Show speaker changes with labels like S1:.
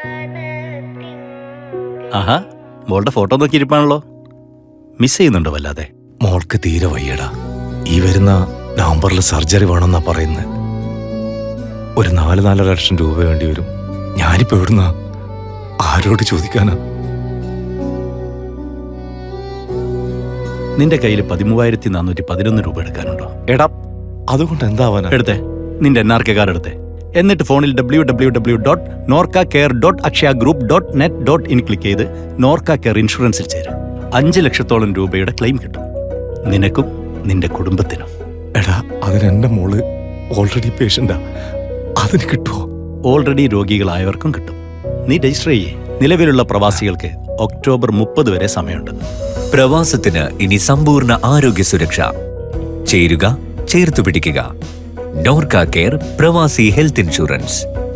S1: ആഹാ, മോളുടെ photo നോക്കിയിരിപ്പാണല്ലോ. Miss ചെയ്യുന്നുണ്ടോ വല്ലാതെ?
S2: മോൾക്ക് തീരെ വയ്യടാ. ഈ വരുന്ന നവംബറിൽ സർജറി വേണമെന്നാ പറയുന്നത്. ഒരു 4-4.5 ലക്ഷം രൂപ വേണ്ടി വരും. ഞാനിപ്പോ എവിടുന്നാ, ആരോട് ചോദിക്കാനാ?
S1: നിന്റെ കയ്യിൽ 13,411 രൂപ എടുക്കാനുണ്ടോ?
S2: എടാ, അതുകൊണ്ട് എന്താവാനാ?
S1: എടുത്തേ, നിന്റെ NRK കാർഡ് എടുത്തേ. എന്നിട്ട് ഫോണിൽ www.norcacare.akshayagroup.net.in ക്ലിക്ക് ചെയ്ത് നോർക്ക കെയർ ഇൻഷുറൻസിൽ ചേരും. 5 ലക്ഷത്തോളം രൂപയുടെ ക്ലെയിം കിട്ടും, നിനക്കും നിന്റെ കുടുംബത്തിനും.
S2: എടാ, അതിന് എന്റെ മോള് ഓൾറെഡി പേഷ്യന്റാ. അതിന് കിട്ടുമോ?
S1: ഓൾറെഡി രോഗികളായവർക്കും കിട്ടും. നീ രജിസ്റ്റർ ചെയ്യേ. നിലവിലുള്ള പ്രവാസികൾക്ക് ഒക്ടോബർ 30 വരെ സമയമുണ്ട്.
S3: പ്രവാസത്തിന് ഇനി സമ്പൂർണ്ണ ആരോഗ്യ സുരക്ഷ. ചേരുക, ചേർത്തു പിടിക്കുക. നോർക്ക കെയർ പ്രവാസി ഹെൽത്ത് ഇൻഷുറൻസ്.